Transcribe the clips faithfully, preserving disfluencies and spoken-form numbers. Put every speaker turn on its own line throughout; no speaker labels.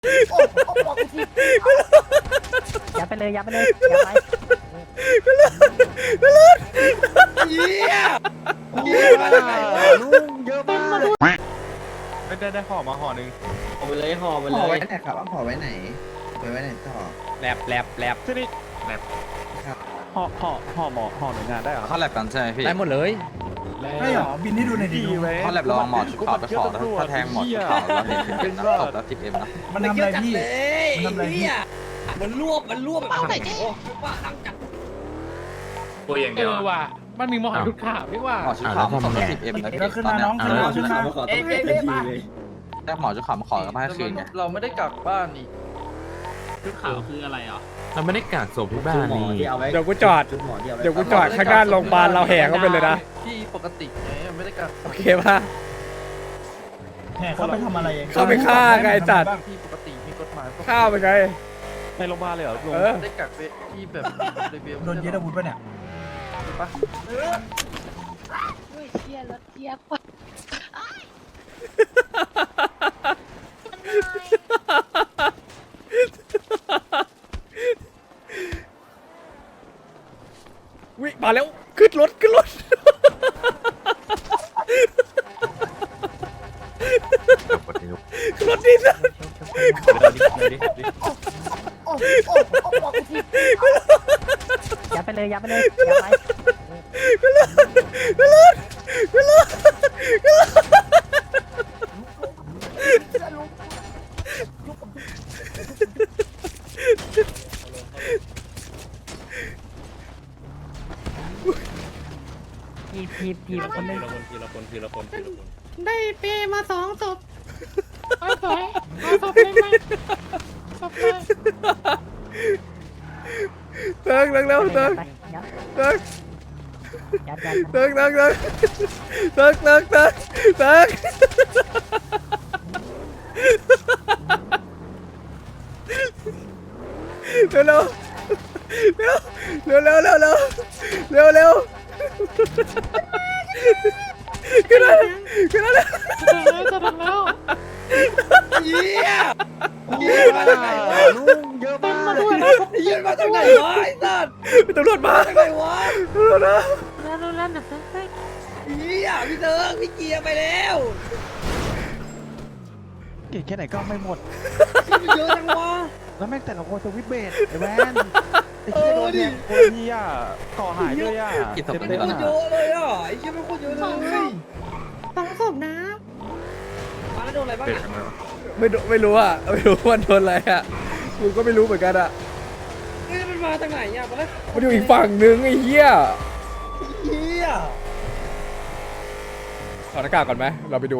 โอ้โอ้บอกกูทียัดไปเลยยัดไปเลยยัดไป
เหี้ยเหี้ยมาจากไหนวะ
ลุงเยอะมากไม่ได้ได้ห่อมาห่อหนึ่ง
ห่อไปเลยห่อไป
ห่
เล
อไว้
ย
ไหนครับเอาห่อไว้ไหนไว้ไว้ไหนต่อ
แลบแลบแลบที่นี่แลบห่อห่อห่อหมอห่อหน่วยงานได้เหรอ
เขาแลบกันใช่ไหมพี่
ได้หมดเลย
ไม่หรอบินให้ดูหน่อยดิ
ดีไว้
เขาแลบระวังหมอชุดขาวไปขอนะถ้าแทงหมอชุดขาวแล้วเห็นเป็นตบแล้วทิปเอ็มนะ
มันทำอะไรพี่
เลย
มันทำอะไรพี่
เหี้ยมันรวบมันรวบแบบโอ้โหว่าตั้งจับ
ตัวอย่างเดียวว่ะมันมีหมอทุกข่าวไม่ว่า
หมอชุดขาวมาขอแล้วทิปเอ็มนะ
แล้วขึ้นมาน้องขึ้นมาขึ้นมา
เอ๊ะเอ๊ะเอ๊ะมา
ได้หมอชุดขาวมาขอกันมาให้คืนไง
เราไม่ได้กลับบ้านนี่ทุกข่าวคืออะไรอ่ะ
เราไม่ได้กากศพที่บ้านนี่
เดี๋ยวกูจอด เดี๋ยวกูจอดข้างหน้าโรงพยาบาลเราแห่เข้าไปเลยนะ
ที่ปกติไงไม่ได้กลับ
โอเคป่ะ
แห่เข้าไปทำอะไร
เข้าไปฆ่าไงไอ้สัตว์
ที่ปกติมีกฎหมาย
ข้าวไปไง
ในโรงพยาบาลเลยเหรอลุง
เออ
ได้กักไปที่แบบเรเบล
โดนยึดอาวุธป่ะเนี่ย
ปะ
เฮ้ยเชียร์รถเทียบว่ะ
วิมาแล้วขึ้นรถขึ้นรถขึ้นรถดินะ
โอ้โอ้โอ้บอกกูทียัดไปเลยยัดไปเลยยัดไปทีทีทีละคนเลย
ทีละคนทีละคนทีละคน
ได้เปมาสองศพเอาสวยเอาศพเลยไหมศพเลย
เติร์กเร็วเร็วเติร์ก
ยัด
เติร์ก
ยัดยัด
เติร์กเติร์กเติร์กเติร์กเติร์กเติร์กเติร์กเร็วเร็วเร็วเร็วเร็วเร็วเร็วเร็วเร็วขึ้นมาขึ้นมาเลย
จะถึงแล้ว
เหี้ยเหี้ยมาจากไหนวะ
ลุงเยอะมาก
เหี้ยมาจากไหนวะไอ้สัตว์
ตำรวจมา
มาจากไหนวะ
ตำรวจมา
แล้วแล้วแล้วนะเฮ้ย
เหี้ยพี่เติร์กพี่เกียร์ไปแล้ว
เก่งแค่ไหนก็ไม่หมด
มันเยอะจังวะ
แล้วแม่งแต่ละคนสวิตเบสไอ้แวนไอ้เหี้ยโดนแทงคนที่อ่ะก่อหายเลยอ่ะ
กี่ศพ
มัน
เนี่
โค
ย
ตรเยอะเลยอ่ะไอ้เหี้ยมันโคตรเยอะเลย
สองศพนะ
มาแล้วโดนอะไรบ้างอ่ะ
ไม่รู้ไม่รู้อ่ะไม่รู้ว่าโดนอะไรอ่ะกูก็ไม่รู้เหมือนกันอ่ะ
เฮ้ยมันมาจากไหนอ่ะมาแล้ว
มันอยู่อีกฝั่งนึงไอ้เหี้ย
เหี้ย
ถอดหน้ากากก่อนไหมเราไปดู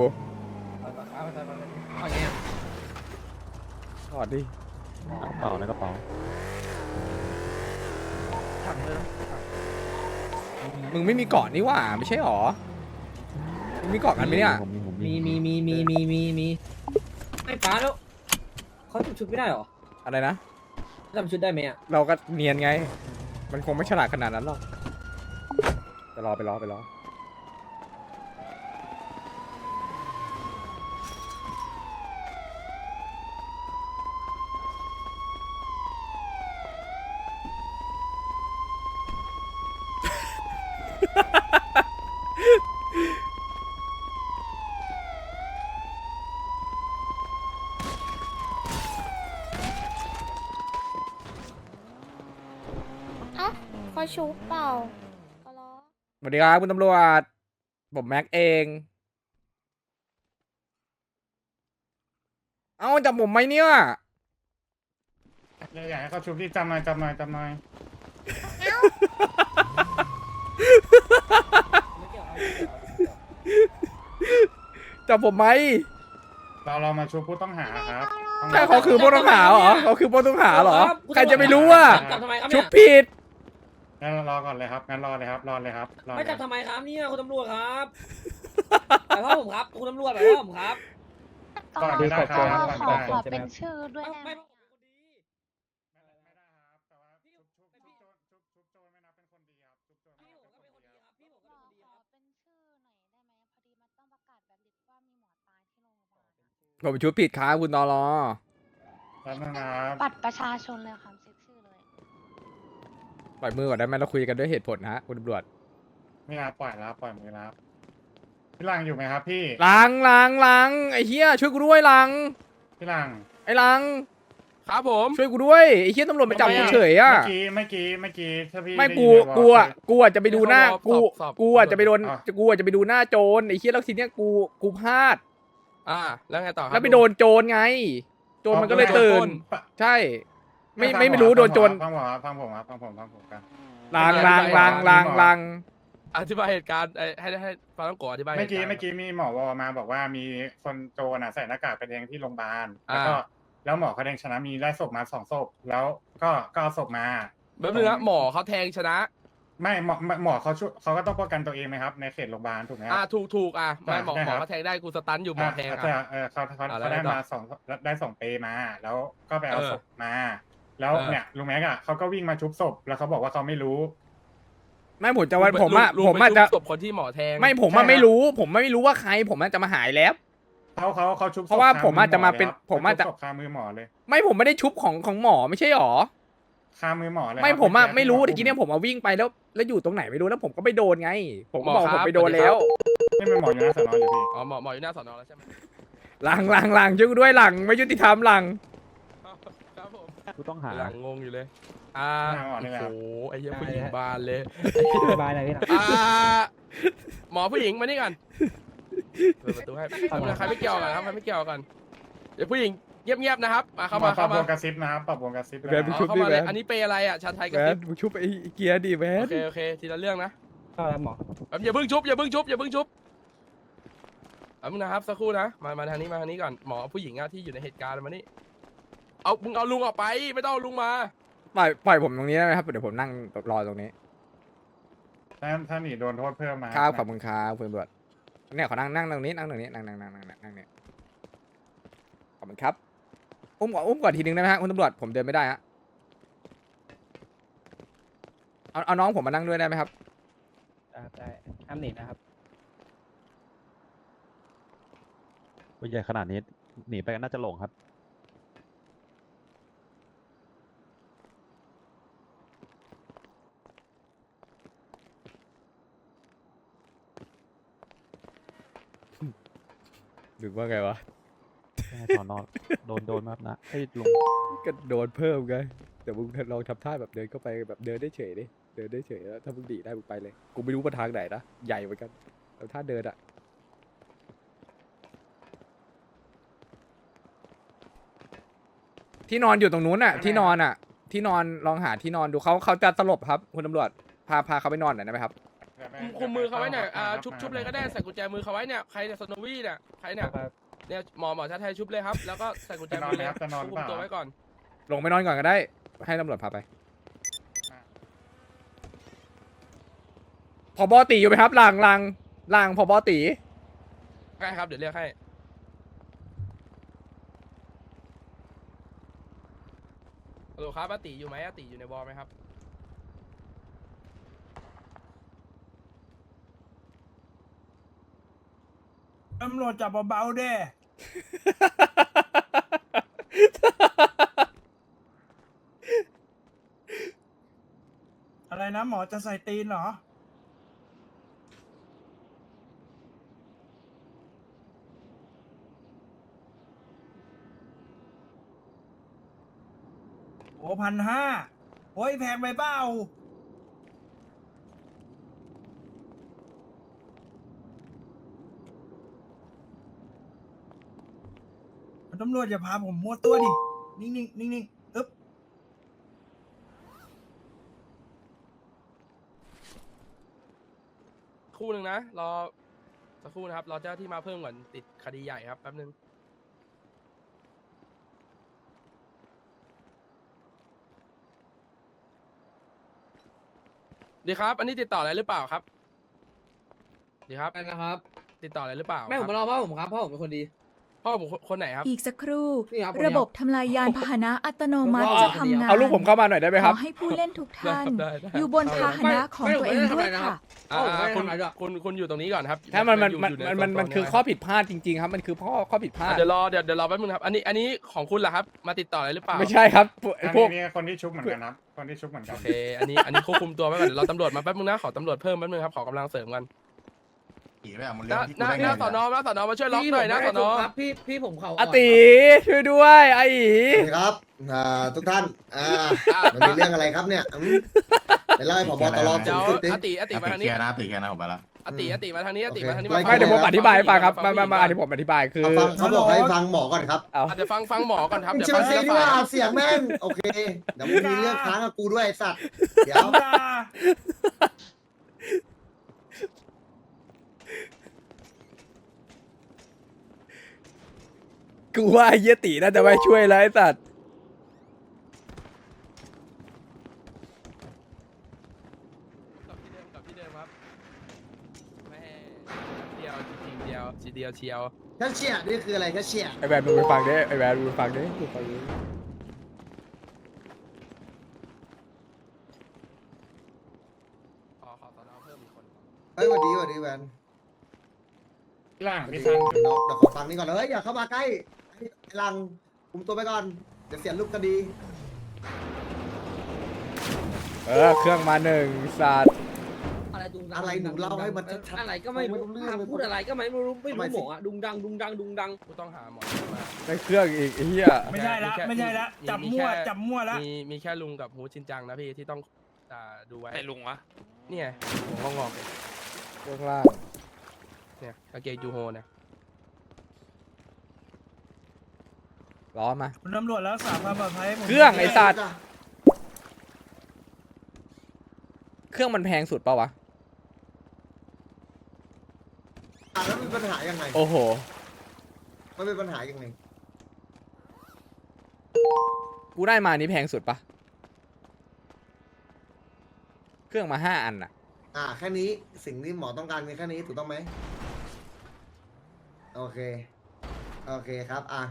เอาไงอ่ะ
ถอดดิ
กระเป๋าในกระเป๋า
ถังเลยนะ
มึงไม่มีเกาะนี่หว่าไม่ใช่หรอมึงมีเกาะกันไหมเนี่ย
ผมมีผมมี
มีมีมีมีมีมีมีไอ้ป้าแล้วเขาจำชุดไม่ได้หรอ
อะไรนะ
จำชุดได้ไหมอ่ะ
เราก็เนียนไง มันคงไม่ฉลาดขนาดนั้นหรอกไปรอไปรอไปรอ
อ่ะเขาชูเปล่าก็รอ
สวัสดีครับคุณตำรวจผมแม็กเอง เอ้าจับผมไหมเนี่ย
อยากให้เขาชุบที่จำหน่อยจำหน่อยจำหน่อย
จับผมไหม
เราเรามาชุบผู้ต้องหาครับ
ใช่เขาคือผู้ต้องหาเหรอเขาคือผู้ต้องหาเหรอ ใครจะไปรู้อ่ะ
จับทำไมครับ
ชุ
เนี่
บ
ย
ผิด
งั้นรอก่อนเลยครับงั้นรอเลยครับรอเลยครับรอเล
ไม่
ย
จับทำไมครับเนี่ยคุณตำรวจครับไปพ่อผมครับคุณตำรวจไปพ่อผมครับ
ก่อนไม่ได้ครับก่อน
ขอ
ได้
ขอเป็นชื่อด้วย
เอ้า
ได้ไหม
ไม่
ไม่ได้ครับแต่ว่าชุบชุบชุบโจรชุบชุบโจรไม่นับเป็นคนดีครับชุบโจรไม่
พี่
นับ
ผม
เป็น
ก็
คน
เป็น
ดี
คน
ครับ
ดีครับพี่ผมก็เป็นคนดีครับ
ขอเป็นชื่อหน่อยได้ไหมพอดีมันต้องประกาศแบบลิสต์ว่ามีหมอตายที่โรงพยาบาล
ผมชุบผิดครับคุณตอรอ
แล้วนะครับ
บัตรประชาชนเลยค่ะเช็คชื่อเลย
ปล่อยมือก่อนได้ไหมเราคุยกันด้วยเหตุผลฮะคุณตำรวจ
ไม่รับปล่อยแล้วปล่อยมือแล้วพี่ลังอยู่ไหมครับพี่
ลังลังลังไอ้เหี้ยช่วยกูด้วยลัง
พี่ลัง
ไอ้ลัง
ครับผม
ช่วยกูด้วยไอ้เหี้ยตำรวจไปจับกูเฉยอ่ะ
เมื่อกี้เมื่อกี้เมื่อกี้ถ้าพี่
ไม่
ด้
กู
ยินในวอล
กูอ่ะกูอ่ะจะไปดูหน้ากู
สอบ
กูอ่ะจะไปโดน
อ่ะ
กูอ่ะจะไปดูหน้าโจรไอ้เหี้ยแล้วทีเนี้ยกูกูพลาด
อ่าแล้วไงต่อครับ
แล้วไปโดนโจรไง โจรมันก็เลยตื่น
ปะ
ใช่ ไม่
ฟัง
ไม่
ผ
ไม่รู้
ครับ
โดนโจร
ฟังผมครับฟังผมครับฟังผมฟังผมกัน
ลังลังลังลังลัง
อธิบายเหตุการณ์ไอ้ให้ให้ฟังต้องโกอธิบาย
เมื่อกี้
หตุารณ์
เมื่อกี้มีหมอวอมาบอกว่ามีคนโจรน่ะใส่หน้ากากไปแทงที่โรงพยาบาล
อ่า
แล้วก็แล้วหมอเขาแดงชนะมีได้ศพมาสองศพแล้วก็ก็เอาศพมา
แบบนึงนะหมอเขาแทงชนะ
ไม่หมอหมอเขาช่วยเขาก็ต้องป้องกันตัวเองไหมครับในเขตโรงพยาบาลถูกไหมค
อ่า
รับ
ถูกถูกอ่ะไม่หมอ
ใช่
หม
ครั
อบ เขาแทงได้กูสตันอยู่หมอแทง
อ่ะ
อ่ะ
ใช่เออเขาเขา
อ่ะแล้ว
เขาได้
ไงต่อ
มาสองได้สองเปมา แล้วก็ไปเอา
เออ
ศพมา แล้ว
เออ
เนี่ยลุงแม็กอ่ะเขาก็วิ่งมาชุบศพแล้วเขาบอกว่าเขาไม่รู้
ไม่ผมจะวันผมอ่ะ
ลุง
ผม
ไป
อาจจะ
ชุบศพคนที่หมอแทง
ไม่ผมอ่ะไม่รู้ ผมไม่รู้ว่าใคร ผมอาจจะมาหายแล้ว
เขาเขาเขาชุบศพ
เพราะว่า
ค
ผมอาจจะมาเป็น
ลยครับ
ผมอาจจะ
เขชุบศพคามือหมอเลย
ไม่ผมไม่ได้ชุบของของหมอไม่ใช่หรอ
คามือหมอเลย
ไม่
ครับ
ผมอ่ะ
เอ
ไม่รู้
ที่
ตะกี้เนี่ยผมมาวิ่งไปแล้ว แล้วอยู่ตรงไหนไม่รู้แล้วผมก็ไปโดนไง ผมก็
หมอ
บอก
ครับ
ผมไปโดนแล้ว
ไม่เป็นหมออยู่หน้าสอนออยู่พี่
อ๋อหมอหมออยู่หน้าสอนอแล้วใช่ไหม
หลังหลังหลังช่วยกูด้วยหลังไม่ยุติธรรมหลัง
ครับผม
กูต้องหา
หลังงงอยู่เลย อ่า
หน้าหมอนี่แหละ
โอ้โหไอ้เหี้ยผู้หญิงบานเลย
บายหน่อยพี่นะ
อ่าหมอผู้หญิงมานี่ก่อนเปิดประตูให้ใครไม่เกี่ยวกันครับใครไม่เกี่ยวกันเดี๋ยวผู้หญิงเงียบๆนะครับมาเข้ามา
ปรั
เข้า
บว
มาง
กระซิบนะครับปรับวงกระซิบ
แบ
นะ
บ
ครับ
ชุบ
เข้า
ดิ
มาเลย
แวน
อันนี้เปย์อะไรอ่ะชาไทยกับ
แว
ซิ
น
ป
มึงชุบไอ้เกียร์ดิแว
โอน เคโอเคทีละเรื่องนะ
ก็แล้วหมอ
แบบอย่าเพิ่งชุบอย่าเพิ่งชุบอย่าเพิ่งชุบเอามึงนะครับสักครู่นะมามาทางนี้มาทางนี้ก่อนหมอผู้หญิงอะที่อยู่ในเหตุการณ์มานี่เอามึงเอาลุงออกไปไม่ต้องเอาลุงมา
ปล่อยปล่อยผมตรงนี้ได้ไหมครับเดี๋ยวผมนั่งรอตรงนี้
ถ้าถ้าหนีโดนโทษเพิ่มมา
ครับขอบคุณครับคุณตำรวจเนี่ยขอนั่งนั่งตรงนี้นั่งตรงนี้นั่งนั่งนั่งนั่งนั่งนั่งเนี่ยขอบคุณครับอุ้มก่อนอุ้มก่อนทีนึงได้ไหมฮะคุณตำรวจผมเดินไม่ได้ฮะเอาเอาน้องผมมานั่งด้วยได้ไหมครับ
ได้ห้ามหนีนะครับ
ตัวใหญ่ขนาดนี้หนีไปก็น่าจะหลงครับ
หรือว่าไงวะ
แค่ถอนนอนโดนโดนมากนะให้ยลุง
ก็โดนเพิ่มไงแต่มึงลองทำท่าแบบเดินเข้าไปแบบเดินได้เฉยดิเดินได้เฉยแล้วถ้ามึงดีได้มึงไปเลยกูไม่รู้ว่าทางไหนนะใหญ่เหมือนกันแต่ถ้าเดินอะที่นอนอยู่ตรงนู้นอะที่นอนอะที่นอนลองหาที่นอนดูเขาเขาจะสลบครับคุณตำรวจพาพาเขาไปนอนหน่อยได้ไหมครับ
คุมมือเขาไว้เนี่ยอ่าชุบชุบเลยก็ได้ใส่กุญแจมือเขาไว้เนี่ยใครเนี่ยสโนวี่เนี่ยใครเนี่ยเนี่ยหมอหมอชาไทยชุบเลยครับแล้วก็ใส่กุญแจมือเลย
จะนอน
คุ
เป
ม
ล่า
ตัวไว้ก่อน
ลงไปนอนก่อนก็ได้ ให้ตำรวจพาไปพอบอตีอยู่ไหมครับลางลางลางพอบอตี
ได้ครับเดี๋ยวเรียกให้ฮัลโหลครับอาติอยู่ไหมอาติอยู่ในวอลไหมครับ
ตำรวจจับเบาๆเด้ อะไรนะหมอจะใส่ตีนเหรอ โอ้พันห้าโอ้ยแพงไปเปล่า ตำรวจอย่าพาผมมั่วตัวดิ นิ่งๆ นิ่งๆอึ๊บ
คู่หนึ่งนะรอสักครู่นะครับรอเจ้าที่มาเพิ่มก่อนติดคดีใหญ่ครับแป๊บนึงดีครับ อันนี้ติดต่ออะไรหรือเปล่าครับดีครับ
ไปนะครับ
ติดต่ออะไรหรือเปล่า
แม่ผม
ค
มา
รับ
รอพ่อผมครับพ่อผมเป็นคนดี
พ่อผมคนไหนครับ
อีกสักครู่
นี่ครับ
ระบบทำลายยานพาหนะอัตโนมัติจะทำงาน
เอาลูกผมเข้ามาหน่อยได้ไหม
ข
ครั
อบ ให้ผู้เล่นทุกท่าน
ได้ได้
อยู่บนพาหนะของตัวเองด้วยค่ะ
อ่า
เอ้า
คุณ
ไม่ได้ทำอะไรด้วย
คุณคุณอยู่ตรงนี้ก่อนครับ
ถ้ามันมัน
อยู่
มัน
อยู่ใ
มันมัน
โซ
คือข้อผิดพลาดจริงๆครับ มันคือข้อข้อผิดพลาด
อ่ะเดี๋ยวรอเดี๋ยวเดี๋ยวรอแป๊บนึงครับอันนี้อันนี้ของคุณเหรอครับมาติดต่ออะไรหรือเปล่า
ไม่ใช่ครับพวก
อัน
พว
นี้
ก
นี่คนที่ชุบเหมือนกันครับ คนที่ชุบเหมือนกัน
โอเคอันนี้อันนี้ควบคุมตัวไว้ก่อนเดี๋ยวรอตำรวจมาแป๊บนึงนะขอตำรวจเพิ่มแป๊บนึงครับขอกำลังเสริมกัน
ขี่ไปอ่ะมัน
ห
เรื่อ
น้าง
ที่
ห
กู
น้า
ได้
หน้า
ไง
สอนอหน้าสอนอมาช่วยล็อก
พี่
หน่อยนะ
ผม
สอนอ
ไม่ได้ครับพี่พี่ผมเขา
อาติช่วยด้วยไอ้อี
ครับอ่าทุกท่านอ่ามันมีเรื่องอะไรครับเนี่ยอืมไปเล่าให้ผบตร
เดี๋
สู
ยว
งสุดดิ
อติอติมาทางนี้
นะติแค่นะผมไปละ
อติอติมาทางนี้อติ
โอเค
มาทางนี้
ไล่
ไม่เดี๋ยวผมอธิบายให้ฟังครับมามามาอธิผมอธิบายคือ
เอาฟังเขาบอกให้ฟังหมอก่อนครับ
เอา
อ่ะเดี๋ยวฟังฟังหมอก่อนครับ
มึง
เดี๋ยว
เชื่
ฟั
อง ซี
ที
ดี
ละ
ว่า
ฝ่าย
เสียงแม่งโอเคเดี๋ยวมึงมีเรื่องค้างกับกูด้วยไอ้สัตว์เดี๋ยว
กูว่าไอ้เหี้ยติน่าจะไม่ช่วยแล้วไอ้สัตว์
กับที่เดิมกับที่เดิมครับแม่เดียวจริงๆเดียวทีเดียวเชียว
แค่เชี่ยนี่คืออะไรแค่เชี่ย
ไอ้แวนมึงไปฟังดิไอ้แวนมึงไปฟังดิมึงฟังดิ
ขอขอสอนอเพิ่มอีกคน
เฮ้ยสวัสดีสวัสดีแวน
ล่าง
เดี๋
พี่
ยว
ซัน
เดี๋ยวขอฟังนี่ก่อนเลยเฮ้ยอย่าเข้ามาใกล้ไอ้ลังคุมตัวไปก่อนเดี๋ยวเสียรูปคดี
เออเครื่องมาหนึ่งสัตว์
อะไรดุงดัง
อะไรหนูเล่าให้มันชัดๆ
อะไรก็ไม่รู้
ไม่รู้เรื่องเลย
พูดอะไรก็ไม่รู้ไม่
ทำไม
รู้
สิ
หมออะดุงดังดุงดังดุงดัง
ผู้ต้องหาหมอมา
ได้เครื่องอีกไอ้เหี้ย
ไม่ใช่ละไม่ใช่ละจับมั่วจับมั่วละ
มีมีแค่ลุงกับฮูชินจังนะพี่ที่ต้องอ่าดูไว้
ไอ้ลุงวะ
เนี่ยหัวงอกๆเลย
เครื่องล่าง
เนี่ยกางเกงยูโฮเนี่ย
ล้อมา
คุณตำรวจรักษาความปลอดภัยให้ผม
เครื่องไอ้สัตว์ เครื่องมันแพงสุดเปล่าวะ
อ่ะแล้วมันมีปัญหายังไง
โอ้โห
มันเป็นปัญหายังไง
กูได้มานี้แพงสุดปะเครื่องมาห้าอันอะ
อ่าแค่นี้สิ่งที่หมอต้องการมีแค่นี้ถูกต้องไหมโอเคโอเคครับอ่ะ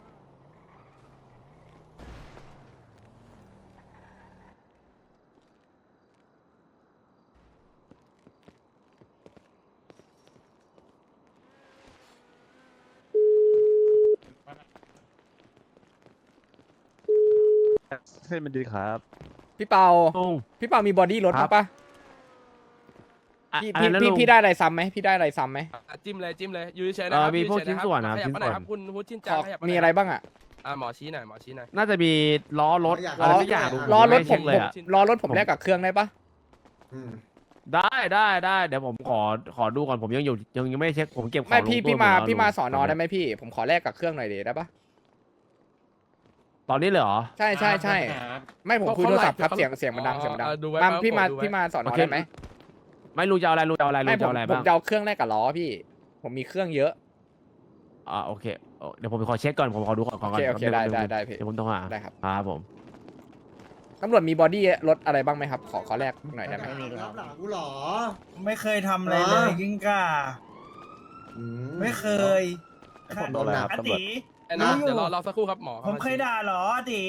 เส้นมันดีครับ
พี่เปา
ลุง
พี่เปามีบอดี้รถ
ครั
มั้
บ
งปะพี่พี่พี่พี่ได้อะไรซ้ำไหมพี่ได้อะไรซ้ำไหม
อ่ะจิ้มเลยจิ้มเลยอยู่เฉยๆนะครับ
เออมีพวก
อยู่เฉยๆ
ชิ้นส่วนนะ
ขยับมาหน่อยครับ
ชิ้นส่วน
คุณฮูชิน
ข
จัง
อ
ขยับาหน่ย
มีอะไรบ้างอะ
อ่ะหมอชี้หน่อยหมอชี้หน่อย
น่าจะมีล้อรถ
อยาก
อะไรสักอย่างลุง
ล้อรถ
ไ
ผม
เช็คเล
ผ
ย
ม
อะ
ล้อรถผมแลกกับเครื่องได้ปะ
อืม
ได้ได้ได้เดี๋ยวผมขอขอดูก่อนผมยังอยู่ยังยังไม่ได้เช็คผมเก็บของ
ไม่พี่
ลงตู้
พี่มา
หดแล้ว
พี่มา
ลุง
สอนอได้ไหมพี่ ผมขอแลกกับเครื่องหน่อยดีได้ปะ
ตอนนี้เลยเหรอ
ใช่ใช่ใช่
ครับ
ไม่ผมคุยโทรศัพท์ครับเสียงเสียงมันดัง
อ๋อ
เสียงมันดัง
อ่ะดูไว้
มา
ไว้
พี่มา
ดูไว้
พี่มาสอนอ
โอเค
ได้ไหม
ไม่รู้จะเอาอะไรรู้จะเอาอะไร
ไม่
รู้
ผ
จะ
ม
เอาอะไร
ผม
บ้าง
จะเอาเครื่องแลกกับล้อพี่ ผมมีเครื่องเยอะ
อ่าโอเคเอ่อเดี๋ยวผมไปขอเช็คก่อนผมขอดูก่อนก่อน
โอเคโอเคได้ได้ได้พี่
เดี๋ยวผมต้องหา
ได้ครับ
ครับผม
ตำรวจมีบอดี้รถอะไรบ้างไหมครับ ขอขอแลกหน่อยได้ไหม
รับหลังกูเหรอ
ไม่เคยทำอะไรเลยกิ้งก่า
อื
ไม่เคย
ผมโดนอะไรครับ
อา
ตำรวจ
ติ
เอ้ยนะ
รู้อยู่
เดี๋ยวรอรอสักครู่ครับหมอ
ผมเคยด่าเหรออาติ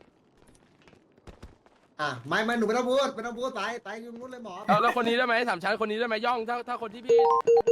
อ่ะไม่ไม่หนูไม่ต้องพูดไม่ต้องพูดไปไปอยุ่งนู้นเลยหมอ
เอาแล้วคนนี้ได้ไหมสามชั้นคนนี้ได้ไหมย่องถ้าถ้าคนที่พี่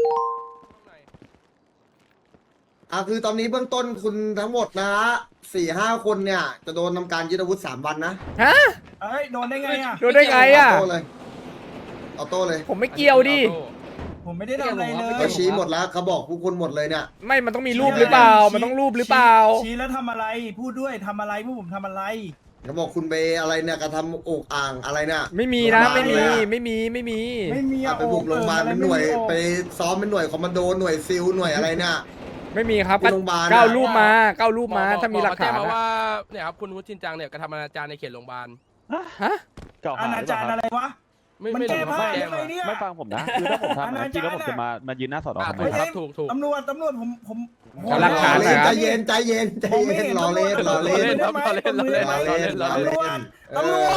อ่ะคือตอนนี้เบื้องต้นคุณทั้งหมดนะฮะสี่ห้าคนเนี่ยจะโดนทำการยึดอาวุธสามวันนะ
ฮะ
เอ้ยโดนได้ไงอ่ะ
โดนได้ไงอ่ะ
ออโต้เลยออโต้เลย
ผมไม่เกี่ยวดิ
ผมไม่ได้ทำอะไรเลย
เขาชี้หมดแล้วเขาบอกผู้คนหมดเลยเนี่ย
ไม่มันต้องมีรูปหรือเปล่า มันต้องรูปหรือเปล่า
ชี้แล้วทำอะไร พูดด้วยทำอะไรพวกผมทำอะไร
เขาบอกคุณไปอะไรเนี่ยกระทำอกอ่างอะไรเนี่ย
ไม่มีนะ ไม่มี
โรงพยาบาลเลยอะ
ไม่มีไม่มี
ไม่มี
อ่ะ
อะ
ไปบุกโรงพยาบาลเป็นหน่วยไปซ้อมเป็นหน่วยคอมมานโดหน่วยซิลหน่วยอะไรเนี่ย
ไม่มีครับ
ที่โรงพยาบาลอะ
เก้ารูปมาเก้ารูปมา
หอ
ถ้ามีหลักฐาน
หมอแจ้งมา
อะ
ว่าเนี่ยครับคุณฮูชินจังเนี่ยกระทำอนาจารในเขตโรงพยาบาล
ฮะ
เก่า
อ
หา
นา
หรือเป
จา
ล่าร
ย์
ครับ
อะไรวะ
ไม่
มัน
ไม่
แก้
รู้
ผ้า
เขาแจ้
ได้
ง
ไหม
มา
เนี่ย
ไม่ฟังผมนะคือถ้าผมทำ
อ
นะ
นา
จริง
จาร
แล้วผมจะมามายืนหน้าสอนอ
อ่ะ
ทำไม
ถูก
ค
ค
รั
รั
บบ
ถูกถูก
ตำรวจตำรวจผมผม
ขอหลักฐานหน่อยครับ
ใจเย็นใจเย็นใจเย็นรอเล่นรอเล่น
รอเล่นครับรอเล่นรอเล่นรอเล่นรอเล่น
ตำรวจตำรวจปลด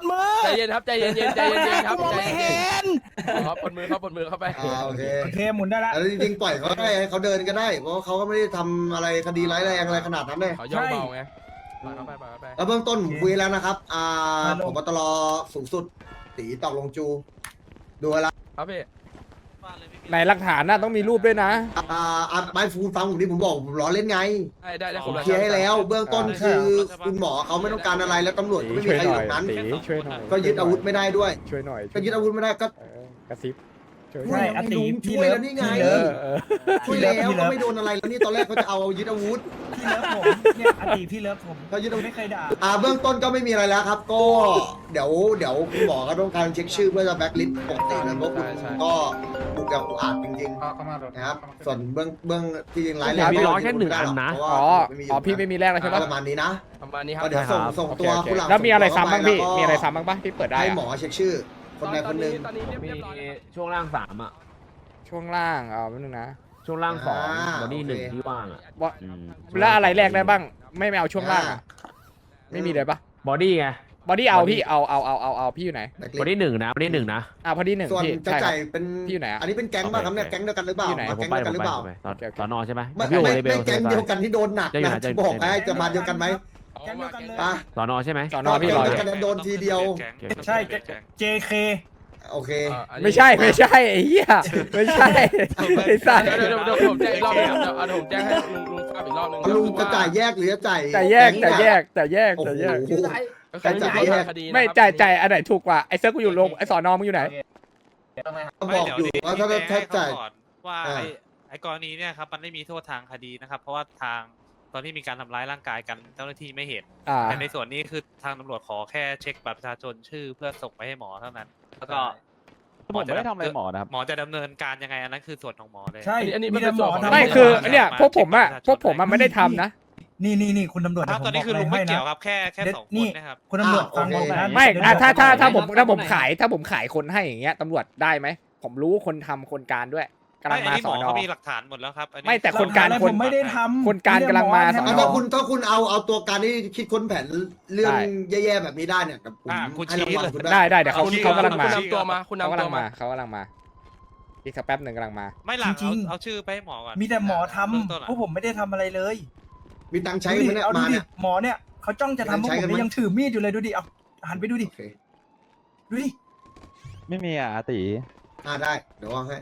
ดมือ
ใจเย็นครับใจเย็นๆใจเย็นๆครับ
มอง
ใจ
ไม่
เย็
เห็
น
น
ๆครับปนมือครับปนมือเข้าไป
อ่าโอเค
โอเคหมุนได้ละ
แล้วจริงๆปล่อยเขาได้ให้เขาเดินก็ได้ เพราะว่าเขาก็ไม่ได้ทำอะไรคดีร้ายแรงอะไรขนาดนั้นเลย
เขาย่องเบาไงปล่อยเข้าไปปล่อยเข้าไป
แล้วเบื้องต้นผมคุยแล้วนะครับ อ่า
ฮัลโหล
ผมตลอสูงสุดตีตอกลงจู ดูแล้ว
ครับพี่
ในหลักฐานน่ะต้องมีรูปด้วยนะ
อ่าอ่าไม่ฟูฟังผมที่ผมบอกผมล้อเล่นไง
ได้ได้ได้
ผมเคลียร์ให้แล้ว เบื้องต้นคือคุณหมอเขาไม่ต้องการอะไรแล้วตำรวจก็ไม่มี
ช่วย
ใคร
ห
อยู่
น่อย
ตรงนั้น
ตีช่วยหน่อย
ก็ยึดอาวุธไม่ได้ด้วย
ช่วยหน่อย
ก็ยึดอาวุธไม่ได้ก็
เออกระซิบช่วยห
ใช่
น่อย
อาติ
ช่
พี่
วย
เลิ
แล้
ฟ
วนี่ไง
พี่
เอ
เลิฟ
อเออ
ช่วยแล้วก็ไม่โดนอะไรแล้วนี่ตอนแรกเขาจะเอายึดอาวุธ
พี่เลิฟผมเนี่ยอาติพี่เลิฟผม
เขายึดอาวุธ
ไม่เคยด่า
อ่าเบื้องต้นก็ไม่มีอะไรแล้วครับ ก็เดี๋ยวเดี๋ยวคุณหมอก็ต้องการเช็คชื่อเพื่อจะแบ็คลิสต์ปกติเลยเพราะคุณก็บุกอย่างอุกอาจจริง
เขาเขามารถ
ๆนะครับ ส่วนเบื้องเบื้องที่ยังร้ายแร
เดี๋ย
ง
วมีร้อยแค่หนึ่งอันนะ
เพราว่า
อ๋อ
ไม่มี
อ๋อพี่ไม่มีแรกแล้วใช่ปะ
ประมาณนี้นะ
ประมาณนี้ครับ
ก็เดี๋ยวส่งส่ง
โอเค
ตัว
โอเค
คุณหลัง
แล้วมีอะไรซ้ำบ้างพี่
แล้วก็
มีอะไรซ้ำบ้างปะที่เปิดได้
ให้
อะ
หมอเช็คชื่อ คนใดคนหนึ่ง
ตอนนี้เรียบ
มี
เรียบร้อยแล้ว
ช่วงล่างสามอ่ะ
ช่วงล่างเอาแป๊บนึงนะ
ช่วงล่างสอง
อ่า
บอดี้หนึ่ง
โอเค
ที่ว่างอ่ะ
ว่า
อืม
แล้วอะไรแรกได้บ้าง ไม่ไม่เอาช่วงล่างอะไม่มีเลยปะ
บอดี้ไง
บอดี้เอา
body
พี่เอาเอาเอาเอาเอาพี่อยู่ไหน
แบ็คลิ
บอ
สต์
ดี้หนึ่งนะบอดี้หนึ่งนะ
อ่าพอดีหนึ่ง
ส่วน
พี่
จะ
ใช่ครั
จ่า
บ
ยเป็น
พี่อยู่ไหนอะ
อันนี้เป็นแก๊งป่ะครับเนี่ย
โอเค
แก๊งเดียวกันหรือเปล่า
พี่ไหน
มา
ผม
แก๊ง
ไป
เดียวกันหรือเปล่า
ผมไปตอน
โอเคโอเค
สอนอใช่ไหม
ไม่
พี่โอ
ไม่
เลเบ
ไม่
ล
แก๊งเดียวกันที่โดนหนัก
จะอยู่
นะ
ไหนจะ
จะบอก
จะ
ให้จะมาเดียวกันไหม
แก๊งเดียวกันเลย
ป่ะ
สอนอใช่ไหม
สอนอพี่รออยู่
แก๊งเดียวกันโดนทีเดียว
ใช่ เจ เค
โอเค
อ่าอันนี้
ไม่ใช่ไม่ใช่ไอ้เหี้ยไม่ใช่ไอ้สัตว์
เดี๋ยวเดี๋ยวเดี๋ยวผมแจ้งอีกรอบนึงครับเดี๋ยวเอาเดี๋ยวผมแจ้งให้ลุงลุงทราบอีกรอบนึง
ลุงจะจ่ายแยกหรือจะจ่าย
แต่แยกแต่แยกแต่แยก
โอ้โห
แต่แยก
ก็คือ
จ่าย
ไม่
แย
ใช่
ก
คดีนะครับ
ไม่จ่ายจ่ายอันไหนถูกกว่าไอ้เซิร์ฟกูอยู่โรงไอ้สอนอมึงอยู่ไหน
ก็บอกอยู่ว่าถ้าถ้าจ่าย
ว่า
อ่า
ไอ้ไอ้กรณีเนี่ยครับมันไม่มีโทษทางคดีนะครับ เพราะว่าทางตอนที่มีการทำร้ายร่างกายกันเจ้าหน้าที่ไม่เห็น
อ่า
แต่ในส่วนนี้คือทางตำรวจขอแค่เช็คบัตรประชาชนชื่อเพื่อส่งไปให้หมอเท่านั้น แล้วก็
ผมไม่ได้ทำอะไรหมอนะครับ
หมอจะดำเนินการยังไงอันนั้นคือส่วนของหมอเลย
ใช่
อันนี้
มี
มันเป็
แต่
น
ห
ส่
ม
วน
อ
ของ
ทำ
ไม่คือเนี่ยพวกผมอะพวกผมอะไม่ได้ทำนะ
นี่นี่นี่คุณตำรวจ
ครับตอนนี้คือลุงไม่เกี่ยวครับแค่แค่สองคนนะครับ
คุณตำรวจฟังผมนะ
ไม่อ่ะถ้าถ้าถ้าผม
ไหน
ถ้าผม
ไหน
ขายถ้าผมขายคนให้อย่างเงี้ยตำรวจได้ไหมผมรู้คนทำคนการด้วยกำลัง
ไม่อัน
มา
นี้
ส
หม
อ
อน
อ
เขามีหลักฐานหมดแล้วครับอันนี้
ไม่แต่คนการ
หลัฐ
คน
ผมไม่ได้ทำ
คนการกำลังมาสอน
ถ้าคุณถ้าคุณเอาเอาตัวการที่คิดค้นแผนเรื่อง
ได้
แย่ๆแบบนี้ได้เนี่ยกับผม
อ่าคุณ
ให้
ชี้
รางวัล
เลย
คุณ
ได้ได้เดี๋ยวเขา
คุณ
เขากำลังมา
คุณนำตัวมาคุณ
เขา
นำ
กำ
ตั
ลั
ว
ง
มา
มาเขากำลังมาอีกสักแป๊บหนึ่งกำลังมา
ไม่หลัง
จริ
เอา
งๆ
เอาชื่อไปให้หมอก่อน
มีแต่หมอท
เบื้องต้น
ำ
อะ
พวกผมไม่ได้ทำอะไรเลย
มีตังค์ใช้
ดู
ไหม
ดิ
เนี่ย
เอาดู
มา
ดิ
เนี่ย
หมอเนี่ยเขาจ้องจะทำพวก
ใช้
ผ
กั
ม
นไหม
เนี่ยยังถือมีดอยู่เลยดูดิเอาหันไปดูดิ
โอเค
ดูดิ
ไม่มีอ่ะอาติ
อ่าได้เดี๋ยววางให้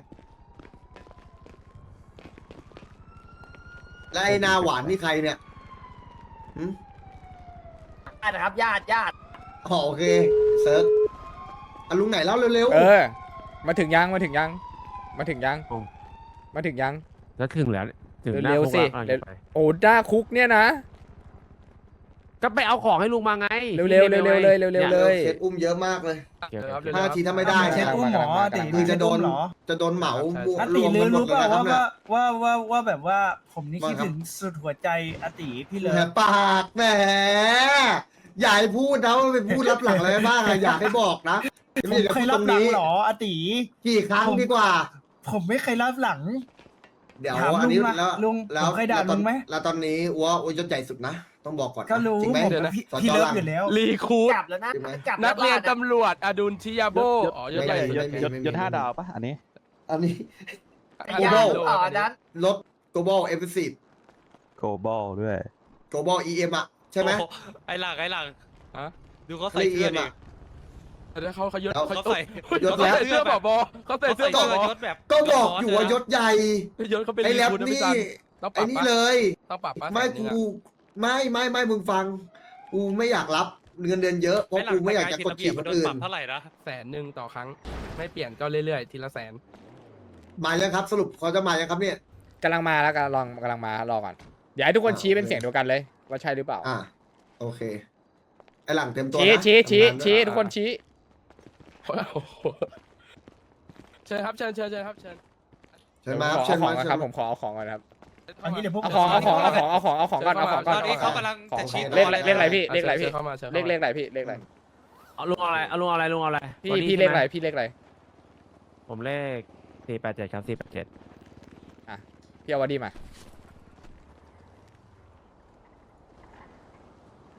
แล้วไอ้นาหวานนี่ใครเนี่ยหืม
ญาตินะครับญาติญาติ
อ๋อโอเคเซิร์ฟอ่ะลุงไหนเล่าเร็ว
เออ มาถึงยังมาถึงยังมาถึงยัง
โอ้
มาถึงยัง
แล้วถึงแล้วถึงหน้า
เร็ว
คุก
สิ
แล้วกำลัง
เร็ว
จะไป
โอ้ด้าคุกเนี่ยนะ
ก็ไปเอาของให้ลุงมาไง
เร็วๆเร็วๆเร็วๆเลยเร็วๆ
ๆ
เลย
เคสอุ้มเยอะมากเลย
เดี๋ยว
ครับ
เดี๋ยว
ห้านาทีถ้าไม่ได้
เช็
เนี่
ค
ย
อุ้มหมออาติ
คือจะโดน
เหรอ
จะโดนเหมา
อา
ร
ติ
วม
ลื
กั
อน
หม
รู้
ด
เป
เลย
ล่า
นะครับ
ว่า
เนี่ย
ว่าว่าว่าแบบว่าผมนี่
ว่า
คิด
ครับ
ถึงสุดหัวใจอาติพี่เลย
แหมปากแหมอย่าให้พูดนะว่าไปพูดรับหลังอะไรบ้างอะอยากให้บอกนะ
ผมเคยรับหลังเหรออาติ
กี่ครั้งดีกว่า
ผมไม่เคยรับหลัง
เดี๋ยว
ถาม
อันนี้
ลุงมา
แล้ว
ลุง
แล้ว
ผมเคยด่า
แล้วตอน
ลุงไหม
แล้วตอนนี้อัวอัวยศใหญ่สุดนะ ต้องบอกก่อนนะ
ก็รู้
จริงไหม
ผม
เดี๋ยวนะ
พี่
สจ
พี่เลิฟ
หลัง
อยู่แล้ว
รีคูด
จับแล้วนะ
จริงไหม
จับ
นักเรียน
แล้ว
ตำรวจอดุลชิยาโบอ๋อยศใหญ่สุด
ไม่ไม่
ยศยศห้าดาวปะอันนี้
อันนี้
ไอ้ยาต่อนั้น
รถ global e f f e c i v e
โกบอลด้วย
global อี เอ็ม อ่ะ ใช่ไหม
โอ้โไอ้หลังไอ้หลัง
ฮะ
ดูเขาใส่
เรียก
เสื้อ
EM
ดิ
อะ
แล้วเขาเขายศ
แล้ว
เขา
เขาใส่
ยศ
เขา
แล้ว
ใส่เสื้อผบเขาใส่
เขา
เสื้
ใส่
อผ
เสื้อบ ยศแบบ
ก็บอกอยู่ว่ายศใหญ่
ยศเขาเป็น
ไอ้
รี
แรป
คูดนะพี่
นี่
ซันต้องป
ไอ้
รับ
นี่
ปะ
เลย
ต้องปรับปะ
ไม่
แสนหนึ่
กู
งอะ
ไม่ไม่ไม่มึงฟัง กูไม่อยากรับเงินเดือนเยอะเพราะ
ไอ้หลั
กู
ง
ไม่อยากจะกดขี่
มั
คน
โดน
อื่
ป
น
รับเท่าไหร่นะ
แสนหนึ่งต่อครั้ง ไม่เปลี่ยนก็เรื่อยๆ ทีละแสน
มายังครับ สรุปเขาจะมายังครับเนี่ย
กำลังมาแล้วกำลังกำลังมารอก่อนเดี๋ยวให้ทุกคนชี้เป็นเสียงเดียวกันเลย ว่าใช่หรือเปล่า
อ่าโอเคไอหลังเต็มตัว
ชี้
นะ
ชี้ชี้
ทำงานด้วย
ชี้ทุกคนชี้
โอ้โหเชิญครับเชิญเชิญเชิญครับเชิญ
เชิญมาค
ข
รับ
อ
เชิญ
ขอ
มาง เชิญ
ครับ
มา
ผมขอเอาของก่อนนะครับ
อันนี้เดี๋ยวพวก
เอาของเอาของเอาของเอาของเอาของก่อนเอาของก่อน
ตอนนี้เขากำลัง
ของ
จะชี้
เลขอะไรเลขอะไรพี่เลขอะไรพี่
ชิญเข้ามาชิญ
เล
ข้า
ข
มา
เลขอะไรพี่เลขอะไร
เอาลุงเอาอะไรเอาลุงเอาอะไรลุงเอาอะไร
พี่
วันนี้
พี่เลข
ใช่หม
อะไรพี่เลขอะไร
ผมเลขสี่แปดเจ็ดครับสี่แปดเจ็ด
พี่เอาวาดีมาโอเค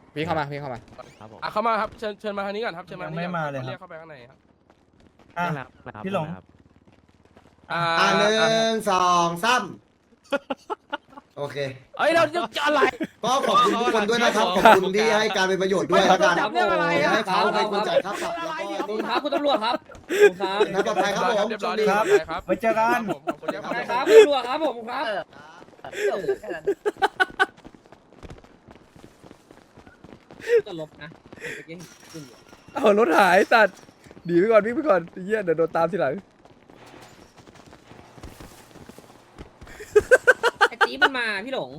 พี่เข้ามาพี่เข้ามา
ครับผม
อ่ะเข้ามาครับเชิญเชิญมาทางนี้ก่อนครับเชิญมา
ยัง
ทางนี้
ไม่
ก่อน
มาเลย
เรียก
ครับ
เข้าไปข้างในครับ
อ่ะ
ได้แล้วครับ
พี่หลง
ได้ครับ
อ่า
อ่าหนึ่งสองสามโอเค
เอ้ยเราจะอะไร
ก็ขอบคุณทุกคนด้วยนะครับ ขอบคุณที่ให้การเป็นประโยชน์ด้วยแล้วกัน
จับเรื่องอะไรอะ
ให้เขาเป็นคนจ่ายค่าปรับแล้ว
ขอบ
ก็
คุณครับคุณตำรวจครับขอบคุณครับ
นะปลอดภัยครับผม
เรียบร้อย
โชคดี
เรียบร้อยครับ
ไว้เจอกัน
ผมขอบคุณครับ
ได้ครับคุณตำรวจครับผมครับก็ลบนะเมื่อกี้ขึ้นอยู่
เอารถหายสัตว์หนีไปก่อนวิ่งไปก่อนไอ้เหี้ยเดี๋ยวโดนตามทีหลัง
ไอ้ตีมันมาพี่หลง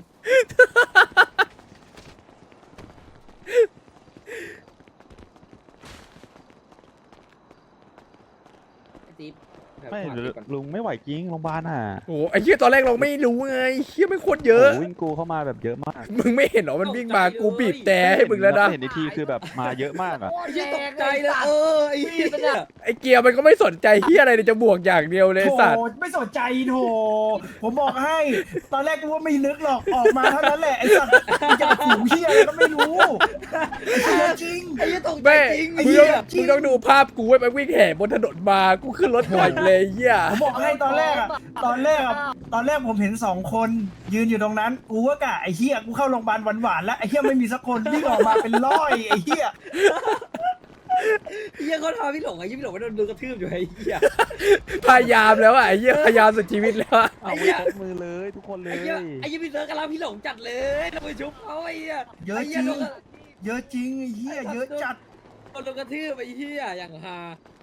ไอ้ตี
ไม่ลุงไม่ไหวจริงโรงพยาบาลอ่ะ
โอ้ไอ้เหี้ยตอนแรกเราไม่รู้ไงเหี้ยไม่โคตรเยอะ
โวิ่งกูเข้ามาแบบเยอะมาก
มึงไม่เห็นเหรอมันวิ่งมากูบีบแต่ให้มึงแล้วนะ
เห็นในทีคือแบบมาเยอะมากอ่ะ
ไอ้เหี้ยตกใจเลยเออไอ้เหี้ย
ไอ้เกียร์มันก็ไม่สนใจเหี้ยอะไรเลยจะบวกอย่างเดียวเลย
โถ
สัตว์
ไม่สนใจโถผมบอกให้ ตอนแรกกูว่าไม่นึกหรอกออกมาเท่านั้นแหละไอ้สัตว์มึงจะขู่เหี้ยอะไรก็ไม่รู้ไอ้เหี้ยจริง
ไอ้เหี้ยตกใจ
แม่
จริง
มึ
ไอ้
ง
เหี้
ต้อย งมึงต้องดูภาพกูไว้ไปวิ่งแห่บนถนนมากูขึ้นรถก่อนเลยเหี้ย
ผมบอกให้ตอนแรกอะตอนแรกอะตอนแรกผมเห็นสองคนยืนอยู่ตรงนั้นกูว่ากะไอ้เหี้ยกูเข้าโรงพยาบาลหวานๆแล้วไอ้เหี้ยไม่มีสักคนวิ่งออกมาเป็นร้อยไอ้เหี้ย
ไอ้เหี้ยเขาทำพี่หลงไอ้เหี้ยพี่หลงไม่โดนโดนกระทืบอยู่ไอ้เหี้ย
พยายามแล้วอ่ะไอ้เหี้ยพยายามสุดชีวิตแล้วอะ
เอาไปยกมือเลยทุกคนเล
ไอ้
ย
เหี้ยไอ้เหี้ยพี่เซิร์ฟกำลังพี่หลงจัดเลยเราไปชุบเขาไอ้เหี้ย
เยอะ
ไอ้
จ
เหี้ย
ริง
โดน
เยอะจริงไอ้เหี้ยเยอะจัด
โดนกระทืบไอ้เหี้ยอย่างฮา